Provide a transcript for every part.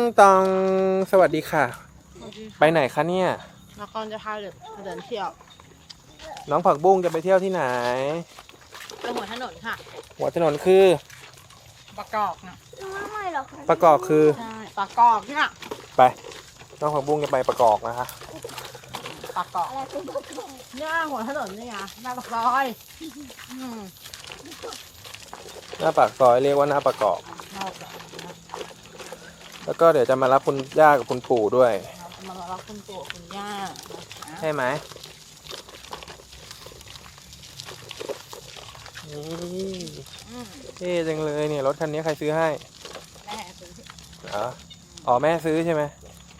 ตองสวัสดีค่ะไปไหนคะเนี่ยนครจะพาเดินเที่ยวน้องผักบุ้งจะไปเที่ยวที่ไหนไปหัวถนนค่ะหัวถนนคือประกอบนะไม่หรอกประกอบคือใช่ประกอบเนี่ยไปน้องผักบุ้งจะไปประกอบนะคะประกอบเนี่ยหัวถนนนี่ไงหน้าปากซอยหน้าปากซอยเรียกว่าหน้าประกอบแล้วก็เดี๋ยวจะมารับคุณย่ากับคุณปู่ด้วยมารับคุณปู่คุณย่าใช่ไหมนี่เท่จังเลยเนี่ยรถคันนี้ใครซื้อให้แม่ซื้ออ๋อแม่ซื้อใช่ไหม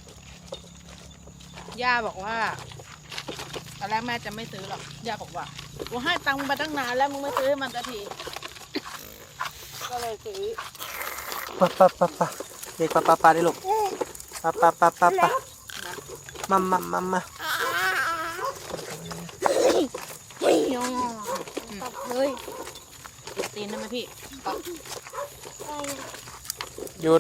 ย่าบอกว่าตอนแรกแม่จะไม่ซื้อหรอกย่าบอกว่ากูให้ตังค์มึงไปตั้งนานแล้วมึงไม่ซื้อให้มันสักทีก็เลยซื้อปะเด็กปะได้ลูกปะมาตับเลยติดตีนได้ไหมพี่หยุด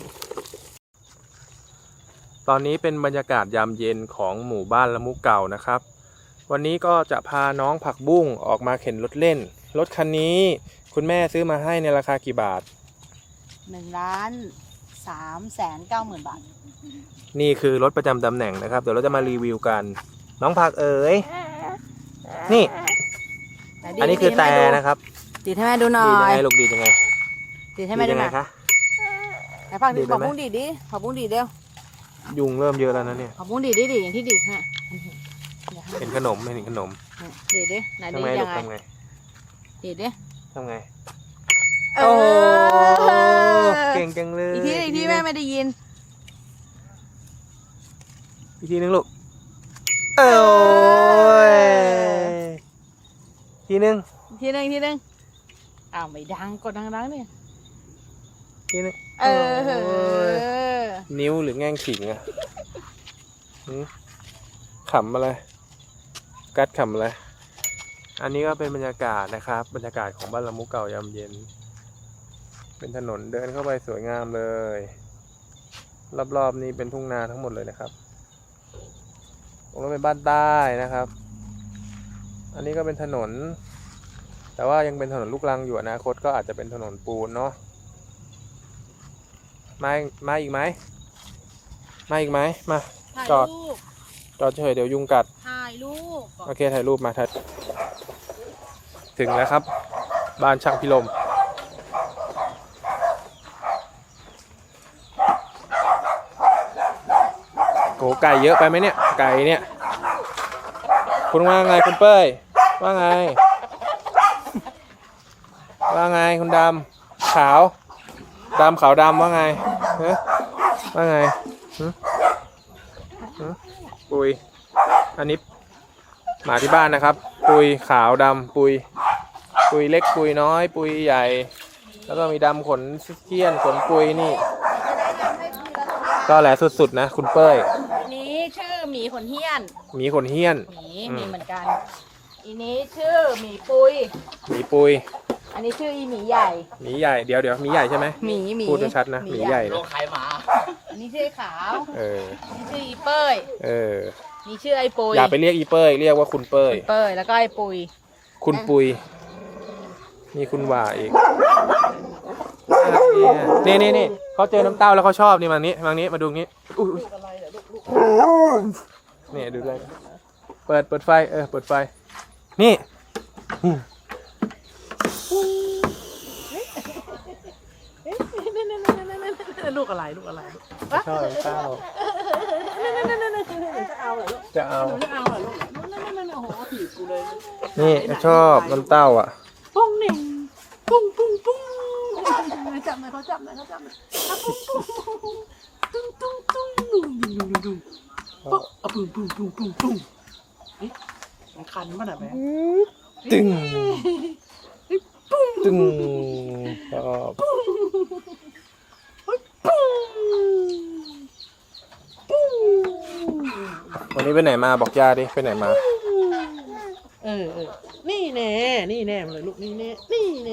ตอนนี้เป็นบรรยากาศยามเย็นของหมู่บ้านละมุเก่านะครับวันนี้ก็จะพาน้องผักบุ้งออกมาเข็นรถเล่นรถคันนี้คุณแม่ซื้อมาให้ในราคากี่บาท 1,390,000 บาทนี่คือรถประจำตำแหน่งนะครับเดี๋ยวเราจะมารีวิวกันน้องผักเอ๋ยนี่อันนี้คือแต่นะครับดีให้แม่ดูหน่อยดียังไงลูกดียังไงดีให้แม่ดูหน่อยคะไหนผักดีผักบุ้งดีดิผักบุ้งดีเดียวยุงเริ่มเยอะแล้วนะเนี่ยผักบุ้งดีอย่างที่ดีแม่เห็นขนมไม่เห็นขนมดีดิไหนดียังไงดีดิทำไงโอ้เก่งจังเลยอีกทีแม่ไม่ได้ยินอีกทีนึงลูกโอ้ยทีนึงอ้าวไม่ดังกดดังเนี่ยทีนึงนิ้วหรือแง่งขิงอะขำอะไรกัดขำอะไรอันนี้ก็เป็นบรรยากาศนะครับบรรยากาศของบ้านละมุเก่ายามเย็นเป็นถนนเดินเข้าไปสวยงามเลยรอบๆนี้เป็นทุ่งนาทั้งหมดเลยนะครับตรงนั้นเป็นบ้านใต้นะครับอันนี้ก็เป็นถนนแต่ว่ายังเป็นถนนลูกรังอยู่อนาคตก็อาจจะเป็นถนนปูนเนาะมาอีกไหมมาจอดเฉยเดี๋ยวยุงกัดถ่ายรูปโอเคถ่ายรูปมาถึงแล้วครับบ้านช่างพิรมโหไก่เยอะไปไหมเนี่ยไก่เนี่ยคุณว่าไงคุณเป้ยว่าไงคุณดำขาวดำว่าไงว่าไงปุยอันนี้หมาที่บ้านนะครับปุยขาวดำปุยเล็กปุยน้อยปุยใหญ่แล้วก็มีดำขนเกี้ยนขนปุยนี่ก็แหละสุดๆนะคุณเป้ยนี้ชื่อหมีขนเฮี้ยนหมีเหมือนกันอีนี้ชื่อหมีปุยอันนี้ชื่ออีหมีใหญ่เดี๋ยวหมีใหญ่ใช่ไหมหมีพูดชัดนะหมีใหญ่นะอันนี้ชื่อขาวนี่ชื่ออีเป้ยนี่ชื่อไอปุยอย่าไปเรียกอีเป้ยเรียกว่าคุณเป้ยแล้วก็ไอปุยคุณปุยมีคุณว่าอีกนี่เขาเจอน้ำเต้าแล้วเขาชอบนี่มานี้มาดูงี้นี่ดูเลยเปิดไฟเปิดไฟนี่ลูกอะไรชอบเต้าจะเอาเหรอลูกนี่ชอบน้ำเต้าอ่ะปุ้งหนึ่งปุ้งจับหน่อยเขาจับหน่อยตุ้งตุ้งมันคันป่ะน่ะแม่ตึงชอบวันนี้ไปไหนมาบอกย่าดิไปไหนมานี่แน่มาเลยลูกนี่แน่ไหน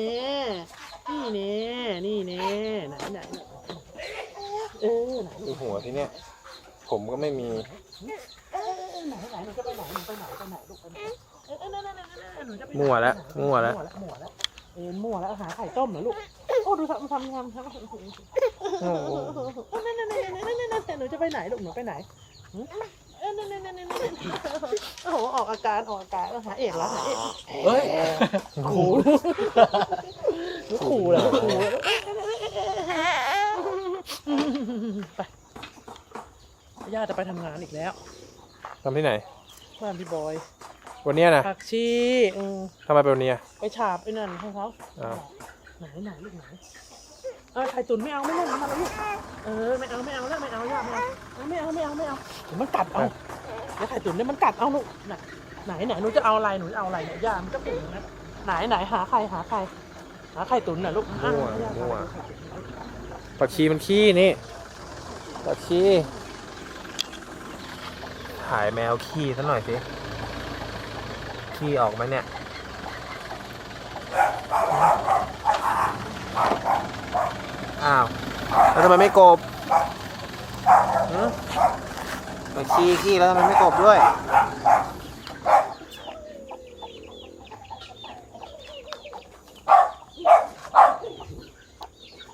ไหนดูหัวที่เนี่ย ผมก็ไม่มีไหนหนูจะไปไหนหนูไปไหนลูกไปไหนหนูจะไปมั่วแล้วมั่วแล้วมั่วแล้วหาไข่ต้มเหรอลูกโอ้ดูทำโอ้โหหนูจะไปไหนลูกหนูไปไหนโอ้โหออกอาการหาเอกแล้วหาเอกเฮ้ยขู่ขู่แล้วไปย่าจะไปทำงานอีกแล้วทำที่ไหนบ้านพี่บอยวันเนี้ยนะผักชีทำไมเป็นวันเนี้ยไปฉาบไอ้นั่นให้เขาอ้าวไหนลูกไหนไข่ตุ๋นไม่เอาไม่เล่นมาแล้วลูกไม่เอาแล้วไม่เอาย่าไม่เอาเดี๋ยวมันกัดเอาเดี๋ยวไข่ตุ๋นเนี่ยมันกัดเอาลูกไหนหนูจะเอาอะไรเนี่ยย่ามันก็เป็นอย่างนั้นไหนหาไข่ตุ๋นน่ะลูกมั่วผักชีมันขี้นี่ผักชีถ่ายแมวขี้ซะหน่อยสิขี้ออกไหมเนี่ยอ้าวแล้วทำไมไม่กบผักชีขี้แล้วทำไมไม่กบด้วย